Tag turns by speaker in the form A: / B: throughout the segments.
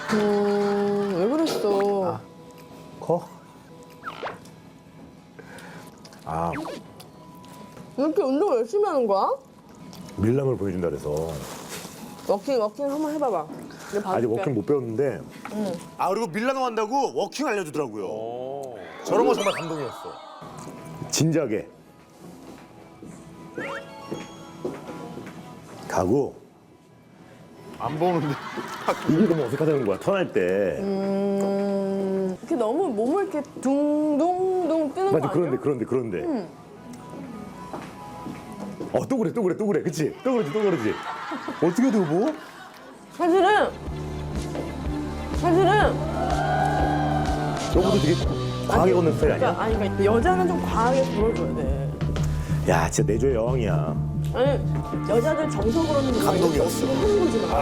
A: 왜 그랬어?
B: 커? 아,
A: 이렇게 운동을 열심히 하는 거야?
B: 밀랑을 보여준다 그래서.
A: 워킹 한번 해봐봐. 내가
B: 아직
A: 봐줄게.
B: 워킹 못 배웠는데.
C: 아 그리고 밀라노 한다고 워킹 알려주더라고요. 저런 거 정말 감동이었어.
B: 진작에 가고
C: 안 보는데.
B: 이게 너무 어색하다는 거야. 턴할 때.
A: 이렇게 너무 몸을 이렇게 둥둥둥 뜨는
B: 맞아.
A: 거 아니야?
B: 그런데. 또 그래. 그치? 또 그러지. 어떻게 해도 뭐?
A: 사실은
B: 너보다 되게 과하게 걷는 스타일 아니야?
A: 그러니까 여자는 좀 과하게 불어줘야 돼.
B: 야, 진짜 내조의 여왕이야.
A: 아니 여자들 정석으로는
C: 감동이었어.
A: 하는 거지 마.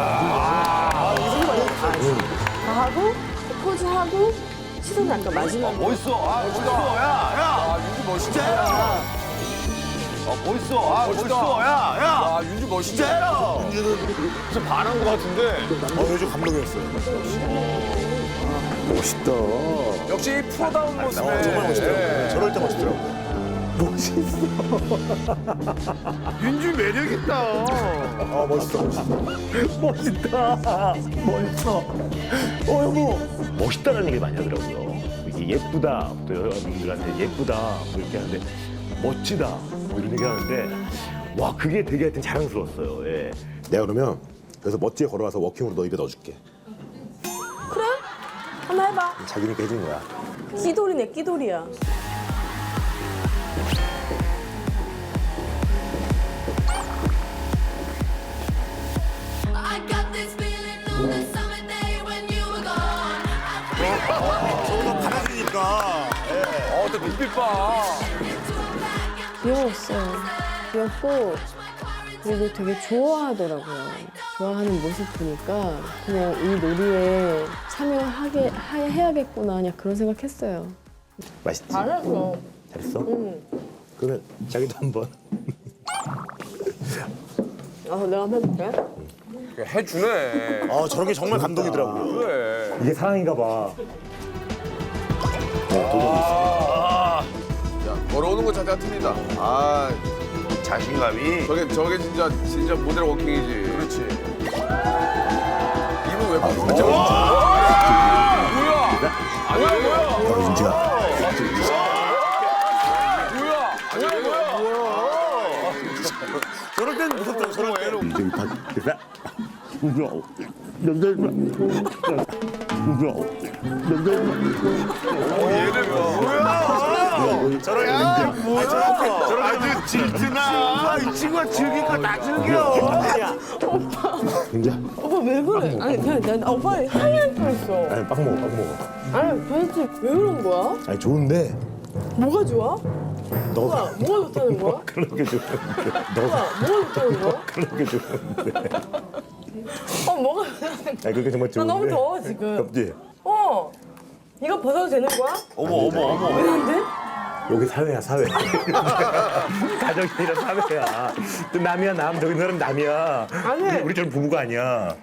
A: 다 하고 포즈 하고 시선 약간 마지막에.
D: 멋있어. 아, 멋있어. 야. 윤주 멋있다. 멋있어. 아, 멋있어. 야. 윤주 멋있다.
C: 윤주는
D: 진짜 반한 것 같은데.
C: 요즘 감동이었어요.
B: 멋있다.
D: 역시 프로다운 모습에.
C: 정말 멋있더라고요.
D: 예.
C: 저럴 때 멋있더라고요.
D: 윤주 매력 있다.
C: 아 멋있어.
B: 멋있어. 여보. 멋있다는 얘기 많이 하더라고요. 이게 예쁘다. 또 여러분들한테 예쁘다. 뭐 이렇게 하는데 멋지다. 뭐 이런 얘기 하는데 와, 그게 되게 하여튼 자랑스러웠어요. 예.
C: 내가 그러면 그래서 멋지게 걸어와서 워킹으로 너 입에 넣어줄게.
A: 그래? 한번 해봐.
C: 자기니까 해준 거야.
A: 끼돌이네 끼돌이야.
E: I got this feeling on the summer day when you were gone.
C: 서로 받아주니까.
D: 또 눈빛 봐.
A: 귀여웠어요. 귀엽고 그리고 되게 좋아하더라고요. 좋아하는 모습 보니까 그냥 이 놀이에 해야겠구나 그냥 그런 생각했어요.
B: 맛있지?
A: 잘했어.
B: 잘했어? 그러면 자기도 한번.
A: 내가 한번 해볼게.
D: 해주네.
C: 아 저런 게 정말 감동이더라고요.
D: 그래.
B: 이게 사랑인가 봐.
D: 야, 걸어오는 거 자체가 틀리다. 아,
C: 자신감이.
D: 저게 진짜 모델 워킹이지. 그렇지. 이분 왜 바꾸지? 뭐야? 아니야, 뭐야?
C: 윤주야.
D: 뭐야? 아니야, 뭐야?
C: 저럴 땐 무섭더라고. 저럴 땐.
B: 저기 다 무서워.
C: 저럴 아주 질투나. 이 친구가 즐길 거 다 즐겨.
B: 진짜?
A: 오빠 왜 그래? 아니 그냥 오빠 하얘 뻔했어.
B: 아니, 빵 먹어.
A: 아니 도대체 왜 그런 거야?
B: 아니, 좋은데
A: 뭐가 좋아?
B: 너가
A: 뭐가 좋다는 거야?
B: 그런 게 좋은데.
A: 뭐가 좋다는 거야?
B: 그런 게 좋은데.
A: 뭐가 좋다는 거야?
B: 아니, 그게 정말
A: 나
B: 좋은데.
A: 너무 더워 지금.
B: 덥지?
A: 이거 벗어도 되는 거야?
C: 어머.
A: 왜 안 돼?
B: 여기 사회야, 사회. 가정이 아니라 사회야. 또 남이야, 남. 저기 사람 남이야.
A: 아니.
B: 우리처럼 부부가 아니야.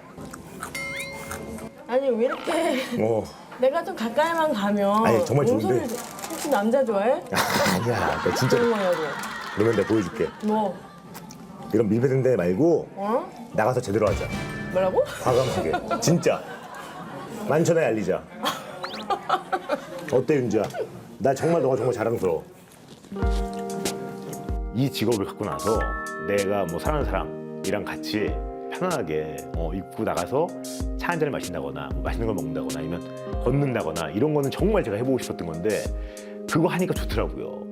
A: 아니 왜 이렇게 내가 좀 가까이만 가면
B: 아니, 정말 좋은데.
A: 몸소리 혹시 남자 좋아해?
B: 아니야. 나 진짜.
A: 그런 거냐고.
B: 그러면 내가 보여줄게.
A: 뭐?
B: 이런 밀폐된 데 말고
A: 어?
B: 나가서 제대로 하자.
A: 뭐라고?
B: 과감하게. 진짜. 만천하에 알리자. 어때, 윤지야? 나 정말 너가 정말 자랑스러워. 이 직업을 갖고 나서 내가 뭐 사랑하는 사람이랑 같이 편안하게 입고 나가서 차 한 잔을 마신다거나 뭐 맛있는 걸 먹는다거나 아니면 걷는다거나 이런 거는 정말 제가 해보고 싶었던 건데 그거 하니까 좋더라고요.